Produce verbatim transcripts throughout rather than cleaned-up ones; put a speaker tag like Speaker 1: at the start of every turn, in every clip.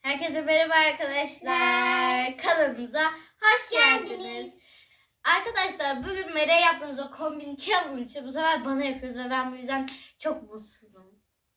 Speaker 1: Herkese merhaba arkadaşlar. Kanalımıza hoş geldiniz. Arkadaşlar bugün Mera'ya yaptığımız o kombin challenge bu sefer bana yapıyoruz ve ben bu yüzden çok mutsuzum.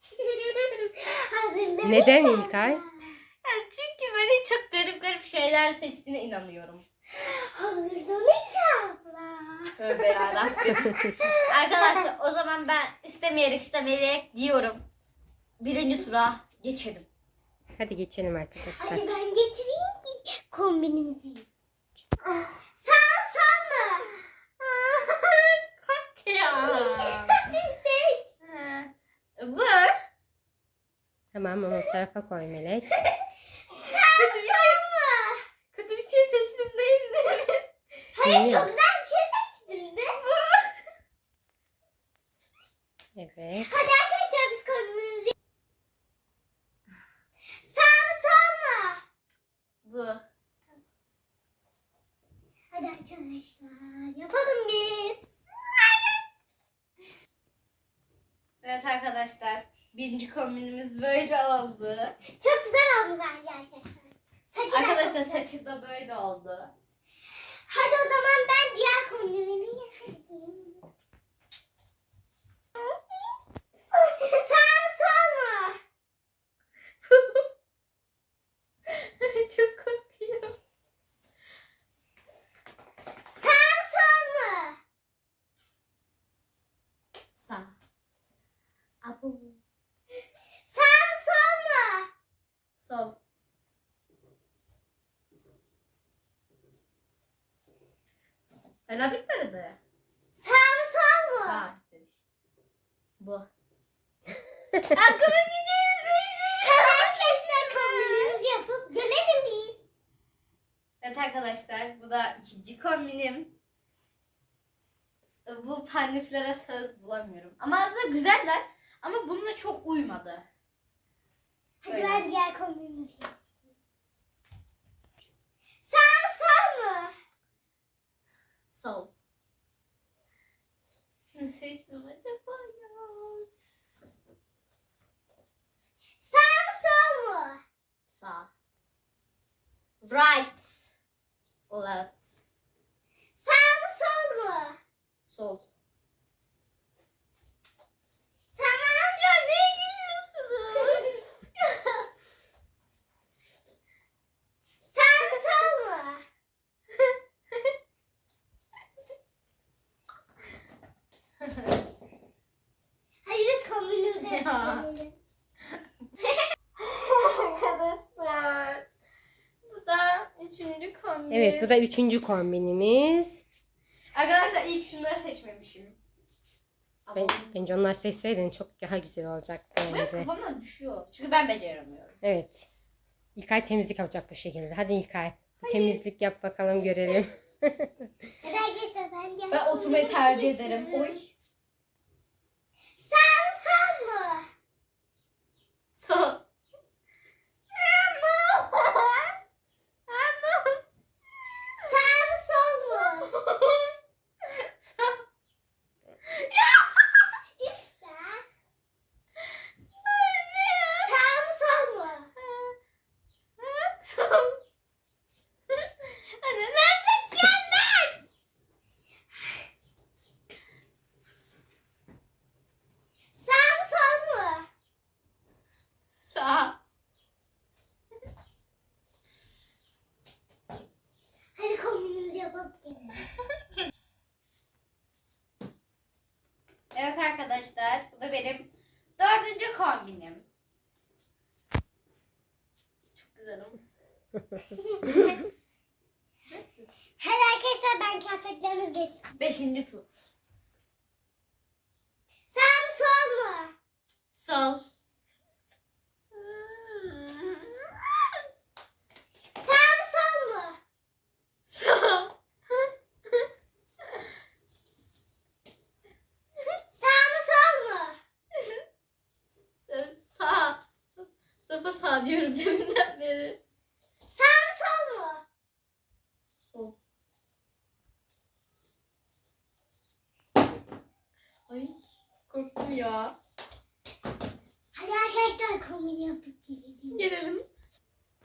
Speaker 2: Neden İlkay?
Speaker 1: Yani çünkü böyle çok garip garip şeyler seçtiğine inanıyorum.
Speaker 3: Hazırlanır abla.
Speaker 1: Tövbe yarabbim. Arkadaşlar o zaman ben istemeyerek istemeyerek diyorum. Birinci tura geçelim.
Speaker 2: Hadi geçelim arkadaşlar.
Speaker 3: Hadi ben getireyim ki kombinimizi. Sağ sağ mı?
Speaker 1: Ya.
Speaker 3: Seç.
Speaker 1: Bu.
Speaker 2: Tamam onu o tarafa koy Melek.
Speaker 3: Sağ sağ mı?
Speaker 1: Kötü bir şey seçtim değil mi?
Speaker 3: Hayır çok
Speaker 2: Bilmiyorum.
Speaker 3: güzel bir şey seçtin de.
Speaker 2: Evet.
Speaker 3: Hadi arkadaşlar biz kombinimizi. Sağ mı sol mu?
Speaker 1: Bu.
Speaker 3: Hadi arkadaşlar yapalım biz.
Speaker 1: Evet arkadaşlar. Birinci kombinimiz böyle oldu.
Speaker 3: Çok güzel oldu bence arkadaşlar. Saçı da
Speaker 1: Arkadaşlar
Speaker 3: çok güzel.
Speaker 1: saçım da böyle oldu.
Speaker 3: Hadi o zaman ben diğer kombinimi yapayım. Sağ mı sol mu?
Speaker 1: Çok korkuyorum.
Speaker 3: Sağ mı sol mu?
Speaker 1: Sağ.
Speaker 3: Abu. Sağ mı sol mu?
Speaker 1: Sol. Hala bitmedi mi?
Speaker 3: Sağ mı sol mu?
Speaker 1: Ha bitmemiş. Bu. Aklıma gideceğiz
Speaker 3: Hadi arkadaşlar kombinimizi yapıp gelelim biz.
Speaker 1: Evet arkadaşlar bu da ikinci kombinim. Bu pandiflere söz bulamıyorum. Ama aslında güzeller ama bununla çok uymadı.
Speaker 3: Hadi
Speaker 1: Öyle.
Speaker 3: ben diğer kombinimizi yapayım. Sağ mı sol mu?
Speaker 1: Sol. Ne seçtim acaba ya?
Speaker 3: Sağ mı sol mu?
Speaker 1: Sağ. Right. O left.
Speaker 3: Sağ mı sol mu?
Speaker 1: Sol.
Speaker 3: Tamam.
Speaker 1: Ya ne gülüyorsunuz?
Speaker 3: Sağ mı sol mu? Hadi biz kombinimizi
Speaker 1: Ya.
Speaker 3: yapalım.
Speaker 1: Arkadaşlar. Bu da üçüncü kombin.
Speaker 2: Evet bu da üçüncü kombinimiz.
Speaker 1: Arkadaşlar ilk şunları seçmemişim. Ama
Speaker 2: Ben, bence onlar seçseydin çok daha güzel olacaktı
Speaker 1: benim
Speaker 2: bence.
Speaker 1: kafamdan düşüyor. Çünkü ben beceremiyorum.
Speaker 2: Evet. İlkay temizlik yapacak bu şekilde. Hadi İlkay. bir Temizlik yap bakalım görelim.
Speaker 3: Hadi arkadaşlar ben diğer
Speaker 1: Ben oturmayı
Speaker 3: kombinimizi
Speaker 1: tercih
Speaker 3: getiriyorum.
Speaker 1: ederim. Oy.
Speaker 3: Sağ mı sol mu?
Speaker 1: Sol.
Speaker 3: Sağ mı sol mu? İftar. Sağ mı sol mu?
Speaker 1: Anne nerede kendin?
Speaker 3: Sağ mı sol mu?
Speaker 1: Sağ.
Speaker 3: Hadi kombinimizi yapıp gelelim.
Speaker 1: Evet arkadaşlar bu da benim dördüncü kombinim. Çok güzelim.
Speaker 3: Hadi arkadaşlar ben kıyafetlerimizi getirdim.
Speaker 1: Beşinci tur.
Speaker 3: Sağ mı sol mu?
Speaker 1: Sol.
Speaker 3: Sağ mı sol mu?
Speaker 1: Sol.
Speaker 3: Sağ mı sol mu?
Speaker 1: Sağ. Sofa sağ diyorum deminden beri.
Speaker 3: Sağ mı sol mu?
Speaker 1: Sol. Ay korktum ya.
Speaker 3: Hadi arkadaşlar kombini yapıp gelelim.
Speaker 1: Gelelim.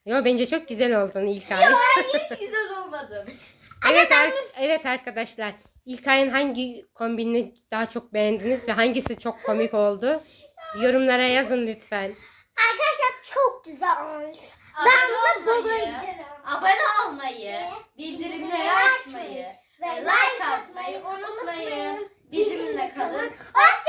Speaker 2: Yo bence çok güzel oldun İlkay.
Speaker 1: Hayır hiç güzel olmadım.
Speaker 2: Evet, ar- evet arkadaşlar. İlkay'ın hangi kombinini daha çok beğendiniz ve hangisi çok komik oldu? Yorumlara yazın lütfen.
Speaker 3: Arkadaşlar çok güzel olmuş.
Speaker 1: Abone
Speaker 3: Ben de
Speaker 1: olmayı,
Speaker 3: buraya giderim.
Speaker 1: abone olmayı, bildirimleri açmayı ve like atmayı unutmayın. Bizimle kalın.
Speaker 3: Hoşça